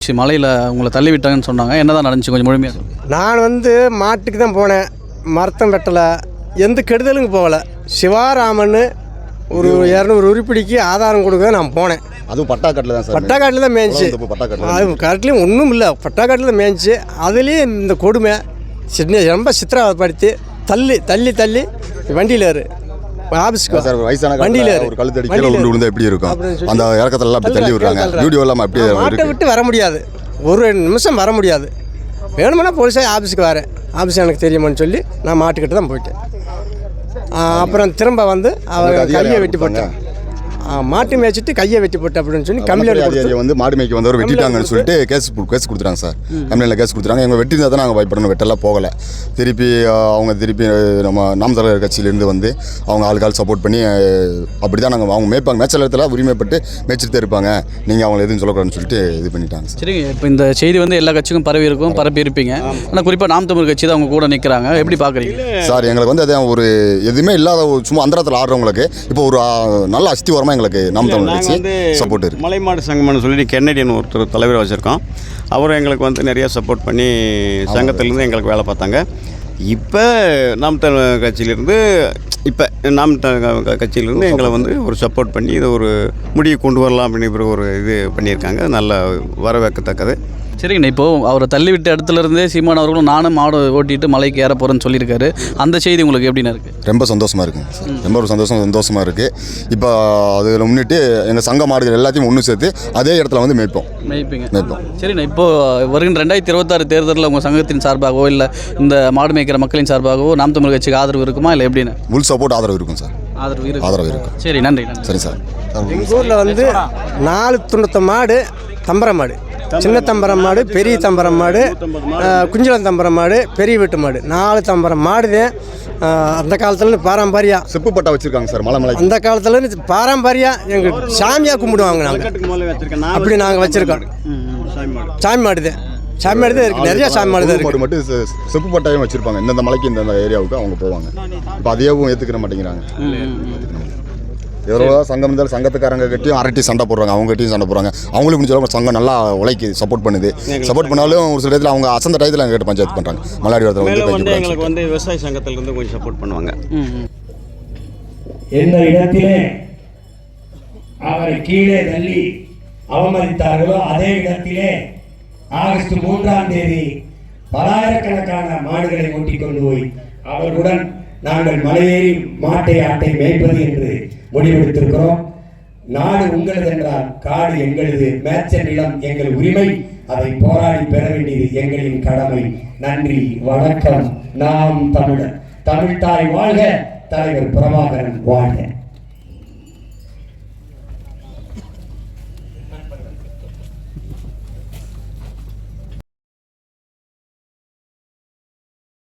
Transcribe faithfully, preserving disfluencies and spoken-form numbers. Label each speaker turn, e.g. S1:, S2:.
S1: மலையில் உங்களை தள்ளி விட்டாங்கன்னு சொன்னாங்க, என்னதான் நடந்துச்சு கொஞ்சம் முழுமையாக சொல்லுங்கள்.
S2: நான் வந்து மாட்டுக்கு தான் போனேன், மரத்தம் வெட்டலை, எந்த கெடுதலுங்க போகலை. சிவாராமன் ஒரு இரநூறு உருப்படிக்கு ஆதாரம் கொடுக்க நான் போனேன்.
S3: அதுவும் பட்டாக்காட்டில் தான் சார்,
S2: பட்டாக்காட்டில் தான் மேய்ச்சி, அது காட்டிலையும் ஒன்றும் இல்லை, பட்டாக்காட்டில் தான் மேய்ச்சி. அதுலேயும் இந்த கொடுமை சின்ன ரொம்ப சித்திரவதைப்படுத்தி தள்ளி தள்ளி தள்ளி வண்டியில் ஏறு ஆஃபீஸ்க்கு
S3: சார் வயசான
S2: வண்டியில்
S3: ஒரு கழுத்தடி கீழே உண்டு விழுந்தா எப்படி இருக்கும், அந்த இறக்கத்துல அப்படி தள்ளி விடுறாங்க. வீடியோ எல்லாம் அப்படியே
S2: மாட்டை விட்டு வர முடியாது, ஒரு நிமிஷம் வர முடியாது. வேணுமென்னா போலீஸாக ஆஃபீஸுக்கு வரேன், ஆஃபீஸ் எனக்கு தெரியுமான்னு சொல்லி நான் மாட்டுக்கிட்ட தான் போயிட்டேன். அப்புறம் திரும்ப வந்து அவர் கையை வெட்டி போட்டேன், மாட்டு மேய்ச்சிட்டு கையை வெட்டி போட்டு அப்படின்னு சொல்லி கம்ப்ளைண்ட்
S3: வந்து மாடு மேய்க்க வந்தவர் வெட்டிட்டாங்கன்னு சொல்லிட்டு கேஸ் கேஸ் கொடுத்துறாங்க சார். கம்ப்ளைண்ட்டில் கேஸ் கொடுத்துறாங்க. எங்கள் வெட்டி தான் நாங்கள் பயப்படணும், வெட்டெல்லாம் போகலை. திருப்பி அவங்க திருப்பி நம்ம நாம் தலைவர் கட்சியிலேருந்து வந்து அவங்க ஆளுக்கால் சப்போர்ட் பண்ணி அப்படி தான் நாங்கள் அவங்க மேய்ப்பாங்க, மேய்ச்சல் இடத்துல உரிமைப்பட்டு மேய்ச்சிட்டு இருப்பாங்க, நீங்கள் அவங்களை எதுவும் சொல்லக்கூடாதுன்னு சொல்லிட்டு இது பண்ணிட்டாங்க.
S1: சரி, இப்போ இந்த செய்தி வந்து எல்லா கட்சிக்கும் பரவி இருக்கும், பரப்பி இருப்பீங்க. ஆனால் குறிப்பாக நாம் தமிழ் கட்சி தான் அவங்க கூட நிற்கிறாங்க, எப்படி பார்க்குறீங்க
S3: சார்? எங்களுக்கு வந்து அது ஒரு எதுவுமே இல்லாத சும்மா அந்தரத்தில் ஆடுறவங்களுக்கு இப்போ ஒரு நல்ல அஸ்திவாரமாக எங்களுக்கு நாம் தமிழ் கட்சி சப்போர்ட் இருக்குது.
S4: மலைமாடு சங்கம்னு சொல்லி கென்னடியன் ஒருத்தர் தலைவர் வச்சுருக்கோம், அவரும் எங்களுக்கு வந்து நிறையா சப்போர்ட் பண்ணி சங்கத்திலேருந்து எங்களுக்கு வேலை பார்த்தாங்க. இப்போ நாம் தமிழ் கட்சியிலேருந்து இப்போ நாம் கட்சியிலேருந்து எங்களை வந்து ஒரு சப்போர்ட் பண்ணி இதை ஒரு முடிவு கொண்டு வரலாம் அப்படின்னு ஒரு இது பண்ணியிருக்காங்க, நல்ல வரவேற்கத்தக்கது.
S1: சரிங்கண்ணா, இப்போது அவரை தள்ளிவிட்ட இடத்துலேருந்தே சீமான் அவர்களும் நானும் மாடு ஓட்டிட்டு மலைக்கு ஏற போகிறேன்னு சொல்லியிருக்காரு, அந்த செய்தி உங்களுக்கு எப்படின்னா இருக்குது?
S3: ரொம்ப சந்தோஷமாக இருக்குங்க சார், ரொம்ப ஒரு சந்தோஷம் சந்தோஷமாக இருக்குது. இப்போ அதில் முன்னிட்டு எங்கள் சங்க மாடுகள் எல்லாத்தையும் ஒன்று சேர்த்து அதே இடத்துல வந்து மேய்ப்போம்
S1: மேய்ப்பீங்க மேய்ப்போம் சரிண்ணா, இப்போது வருகின்ற ரெண்டாயிரத்தி இருபத்தாறு தேர்தலில் உங்கள் சங்கத்தின் சார்பாகவோ இல்லை இந்த மாடு மேய்க்கிற மக்களின் சார்பாகவோ நாம் தமிழ் கட்சிக்கு ஆதரவு இருக்குமா இல்லை எப்படின்னு?
S3: ஃபுல் சப்போர்ட் ஆதரவு இருக்கும் சார்,
S1: ஆதரவு இருக்கும்
S3: ஆதரவு இருக்கும்.
S1: சரி, நன்றி.
S3: சரி சார்.
S2: எங்கள் ஊரில் வந்து நாலு தொண்ணூத்த மாடு தம்பரம் மாடு, சின்ன தம்பரம் மாடு, பெரிய தம்பரம் மாடு, குஞ்சலம் தம்பரம் மாடு, பெரிய வீட்டு மாடு, நாலு தம்பரம் மாடு தான். அந்த காலத்துலேருந்து பாரம்பரியா
S3: செப்பு பட்டா வச்சுருக்காங்க சார் மலை மலை.
S2: அந்த காலத்துலேருந்து பாரம்பரியா எங்கள் சாமியாக கும்பிடுவாங்க, நாங்கள் அப்படி நாங்கள் வச்சுருக்கோம். சாமி மாடு தான், சாமி மாடு தான் இருக்குது, நிறையா சாமி மாடு தான் இருக்குது.
S3: மட்டும் செப்பு பட்டாயம் வச்சுருப்பாங்க, இந்தந்த மலைக்கு இந்தந்த ஏரியாவுக்கு அவங்க போவாங்க. இப்போ அதையும் ஏற்றுக்கிற மாட்டேங்கிறாங்க. எவ்வளோ சங்கம் இருந்தாலும் சங்கத்துக்காரங்க கிட்டையும் அரட்டி சண்டை போடுறாங்க, அவங்க கிட்டையும் சண்டை போடுறாங்க. அவங்களுக்கு முடிஞ்சாலும் சங்கம் நல்லா உழைக்கு சப்போர்ட் பண்ணுது. சப்போர்ட் பண்ணாலும் ஒரு சில இடத்துல அவங்க அசந்த டயத்தில் எங்கள் கிட்ட பஞ்சாயத்து பண்ணுறாங்க. மலையாடி இடத்துல வந்து
S4: எங்களுக்கு வந்து விவசாய சங்கத்திலிருந்து கொஞ்சம் சப்போர்ட் பண்ணுவாங்க.
S5: எந்த இடத்திலே அவரை கீழே தள்ளி அவமதித்தார்களோ அதே இடத்திலே ஆகஸ்ட் மூன்றாம் தேதி பலாயிரக்கணக்கான மாடுகளை ஓட்டிக் கொண்டு போய் அவர்களுடன் நாங்கள் மலையேறி மாட்டை ஆட்டை மேய்ப்பது என்று முடிவெடுத்திருக்கிறோம். நாடு உங்களது என்றால் காடு எங்களது, மேய்ச்சல் நிலம் எங்கள் உரிமை, அதை போராடி பெற வேண்டியது எங்களின் கடமை. நன்றி, வணக்கம். நாம் தமிழர், தமிழ்தாய் வாழ்க, தலைவர் பிரபாகரன் வாழ்க.